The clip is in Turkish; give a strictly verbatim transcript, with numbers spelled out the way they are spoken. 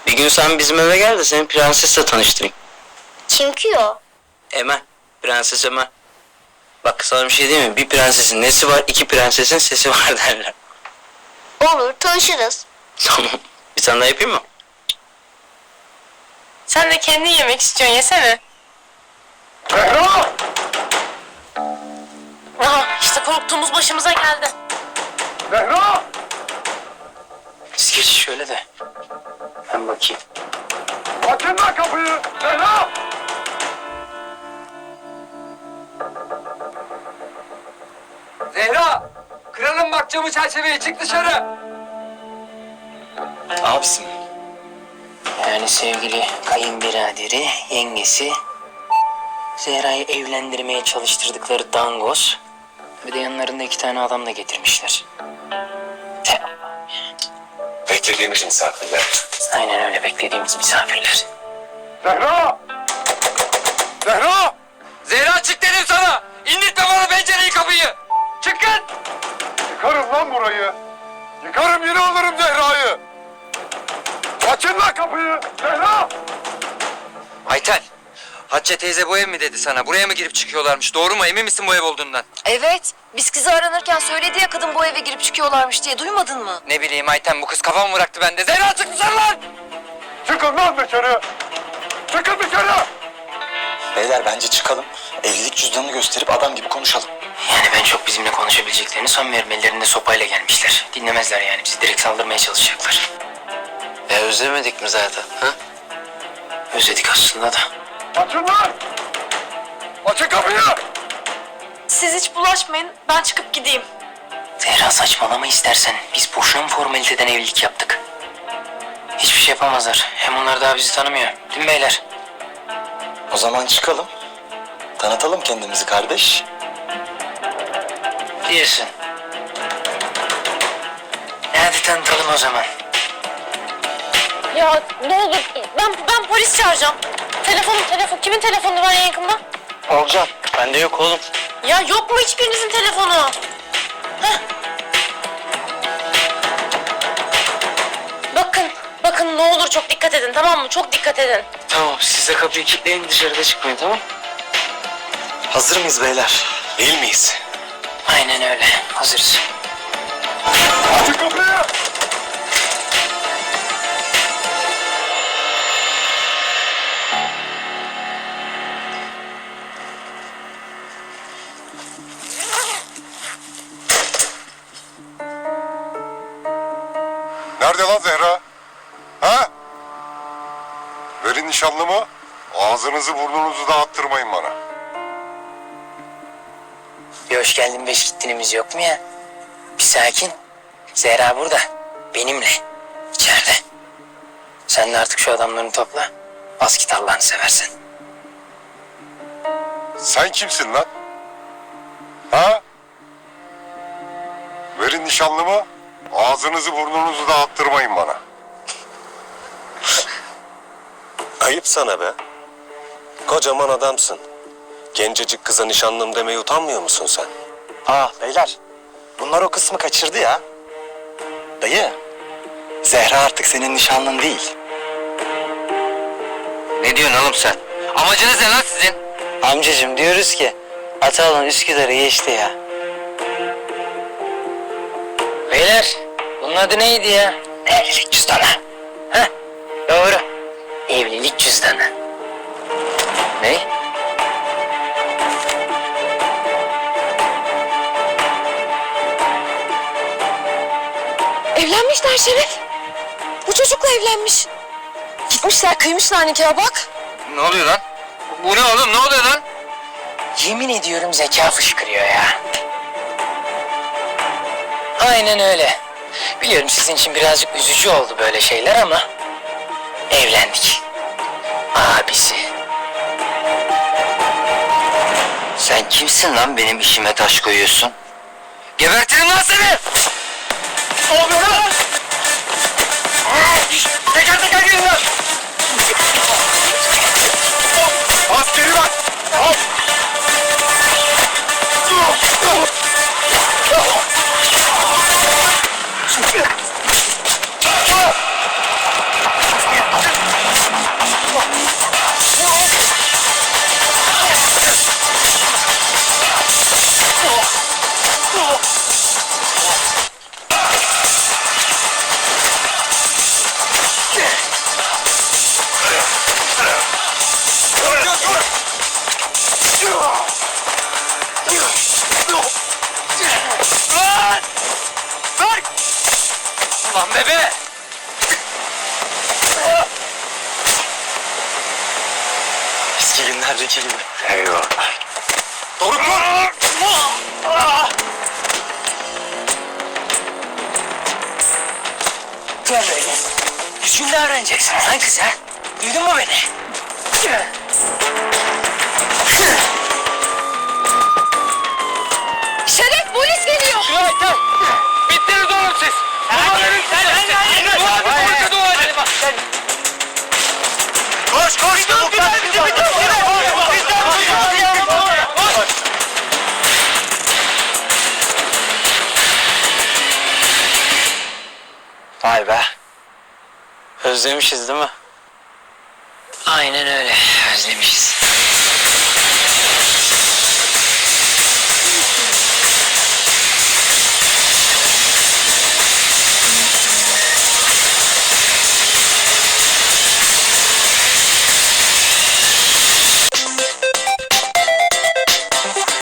Bir gün sen bizim eve gel de seni prensesle tanıştırayım. Kim ki o? Emel. Prenses Emel. Bak sana bir şey diyeyim mi? Bir prensesin nesi var, iki prensesin sesi var derler. Olur, tanışırız. Tamam. Bir tane daha yapayım mı? Sen de kendin yemek istiyorsun, yesene. Zehra! Aha, işte korktuğumuz başımıza geldi. Zehra! Siz geçin şöyle de. Ben bakayım. Açın lan kapıyı! Zehra! Zehra! Kralın bak camı çerçeveye, çık dışarı! Abisin. Yani sevgili kayınbiraderi, yengesi, Zehra'yı evlendirmeye çalıştırdıkları dangoz, bir de yanlarında iki tane adam da getirmişler. Te- Beklediğimiz misafirler. Aynen öyle, beklediğimiz misafirler. Zehra! Zehra! Zehra çık dedim sana! İndirtme bana pencereyi, kapıyı! Çıkın! Yıkarım lan burayı. Yıkarım, yine alırım Zehra'yı. Açın lan kapıyı! Zehra! Ayten! Hatice teyze bu ev mi dedi sana? Buraya mı girip çıkıyorlarmış? Doğru mu? Emin misin bu ev olduğundan? Evet, biz kızı aranırken söyledi ya kadın bu eve girip çıkıyorlarmış diye, duymadın mı? Ne bileyim Ayten, bu kız kafamı bıraktı bende. Zehra çık dışarı lan! Çıkın lan dışarı! Çıkın dışarı! Beyler bence çıkalım. Evlilik cüzdanını gösterip adam gibi konuşalım. Yani ben çok bizimle konuşabileceklerini sanmıyorum. Ellerinde sopayla gelmişler. Dinlemezler yani, bizi direkt saldırmaya çalışacaklar. Ya özlemedik mi zaten? Ha? Özledik aslında da. Açın lan! Açın kapıyı! Siz hiç bulaşmayın, ben çıkıp gideyim. Zehra saçmalama istersen. Biz boşuna mı formaliteden evlilik yaptık? Hiçbir şey yapamazlar. Hem onlar daha bizi tanımıyor. Değil mi beyler? O zaman çıkalım. Tanıtalım kendimizi kardeş. Diyorsun. Hadi tanıtalım o zaman. Ya ne olur, ben ben polis çağıracağım. Telefonum, telefon, kimin telefonu var en yakında? Olcan. Bende yok oğlum. Ya yok mu hiçbirinizin telefonu? Heh. Bakın, bakın ne olur çok dikkat edin, tamam mı? Çok dikkat edin. Tamam, siz de kapıyı kilitleyin, dışarıda çıkmayın, tamam? Hazır mıyız beyler? Değil miyiz? Aynen öyle. Hazırız. Açın kapıyı! Nerede lan Zehra? Ha? Verin nişanlımı. Ağzınızı burnunuzu dağıttırmayın bana. Bir hoş geldin beş gittinimiz yok mu ya? Bir sakin. Zehra burada. Benimle. İçeride. Sen de artık şu adamlarını topla. Bas git Allah'ını seversen. Sen kimsin lan? Ha? Verin nişanlımı. Ağzınızı burnunuzu dağıttırmayın bana. Ayıp sana be. Kocaman adamsın. Gencecik kıza nişanlım demeye utanmıyor musun sen? Aa beyler. Bunlar o kısmı kaçırdı ya. Dayı. Zehra artık senin nişanlın değil. Ne diyorsun oğlum sen? Amacınız ne lan sizin? Amcacığım diyoruz ki Atalan Üsküdar'ı geçti ya. Beyler bunun adı neydi ya? Evlilik cüzdanı. Heh doğru. Evlilik cüzdanı. Ne? Evlenmişler Şeref. Bu çocukla evlenmiş. Gitmişler, kıymışlar nikah bak. Ne oluyor lan? Bu ne oğlum? Ne oluyor lan? Yemin ediyorum zeka fışkırıyor ya. Aynen öyle. Biliyorum sizin için birazcık üzücü oldu böyle şeyler ama evlendik. Abisi. Sen kimsin lan benim işime taş koyuyorsun? Gebertirim lan seni! Ne oluyor lan? Teker teker gelin lan! Askeri bak! Al! eski günlerdeki gibi. Eyvallah. Doruk dur! Gel böyle. Düzgün davranacaksin lan kıza. Duydun mu beni? Şeref polis geliyor. Bittiniz oğlum siz. Koş koş! Vay be. Özlemişiz değil mi? Aynen öyle. Özlemişiz.